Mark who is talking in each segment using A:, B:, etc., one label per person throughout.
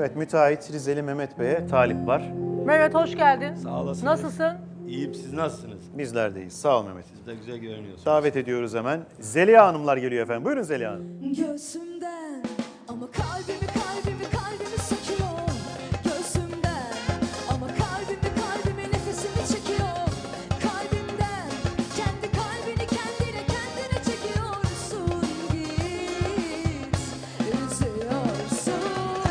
A: Evet, müteahhit Rizeli Mehmet Bey'e talip var.
B: Mehmet hoş geldin.
C: Sağ olasınız.
B: Nasılsın?
C: İyiyim, siz nasılsınız?
A: Bizler deyiz. Sağ ol Mehmet.
C: Siz de güzel görünüyorsunuz.
A: Davet ediyoruz hemen. Zeliha Hanımlar geliyor efendim. Buyurun Zeliha Hanım.
D: Göğsümden ama kalbimi söküyor. Göğsümden ama kalbimi nefesimi çekiyor. Kalbimden kendi kalbini kendine çekiyorsun. Git üzüyorsun.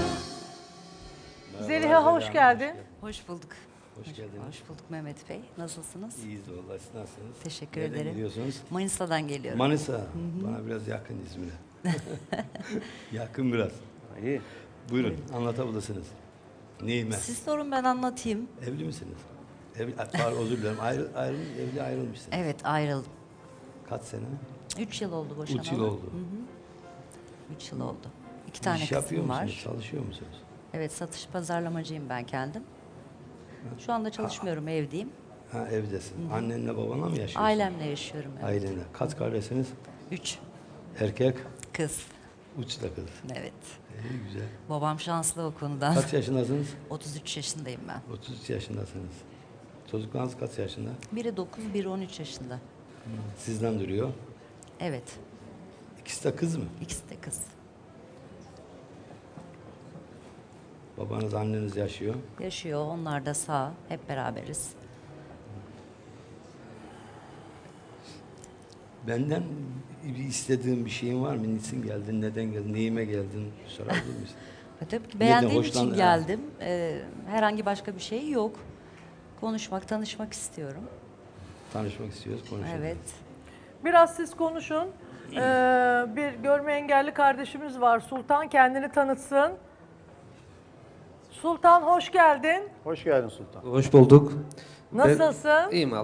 B: Zeliha hoş geldin.
E: Hoş bulduk.
C: Hoş geldiniz.
E: Hoş bulduk Mehmet Bey. Nasılsınız?
C: İyiyiz vallahi, siz nasılsınız?
E: Teşekkür
C: Nereden
E: ederim.
C: geliyorsunuz?
E: Manisa'dan geliyorum.
C: Manisa. Bana biraz yakın İzmir'e. Yakın biraz.
A: İyi.
C: Buyurun, anlatabilirsiniz. Neyime?
E: Siz sorun ben anlatayım.
C: Evli misiniz? Pardon, özür dilerim. Evli ayrılmışsınız.
E: Evet ayrıldım.
C: Kaç sene?
E: 3 yıl oldu boşanalı.
C: 3 yıl oldu.
E: 3 yıl oldu. 2 tane
C: İş yapıyor
E: kızım
C: musunuz?
E: var.
C: Çalışıyor musunuz?
E: Evet satış pazarlamacıyım ben kendim. Şu anda çalışmıyorum evdeyim.
C: Ha, evdesin. Annenle babanla mı yaşıyorsun?
E: Ailemle yaşıyorum. Evet.
C: Ailenle. Kaç kardeşsiniz?
E: 3
C: Erkek,
E: kız.
C: 3 de kız.
E: Evet.
C: İyi, güzel.
E: Babam şanslı o konudan.
C: Kaç yaşındasınız?
E: 33 yaşındayım ben.
C: 33 yaşındasınız. Çocuklarınız kaç yaşında?
E: Biri 9, biri 13 yaşında.
C: Sizden duruyor.
E: Evet.
C: İkisi de kız mı?
E: İkisi de kız.
C: Babanız, anneniz yaşıyor.
E: Yaşıyor. Onlar da sağ. Hep beraberiz.
C: Benden bir istediğin bir şeyin var mı? Niçin geldin, neden geldin, neyime geldin sorabilir misin?
E: Tabii ki beğendiğim
C: hoşlan-
E: için geldim. Herhangi başka bir şey yok. Konuşmak, tanışmak istiyorum.
C: Tanışmak istiyoruz, konuşalım.
E: Evet.
B: Biraz siz konuşun. Bir görme engelli kardeşimiz var. Sultan kendini tanıtsın. Sultan hoş geldin.
A: Hoş geldin Sultan.
F: Hoş bulduk.
B: Nasılsın?
F: İyiyim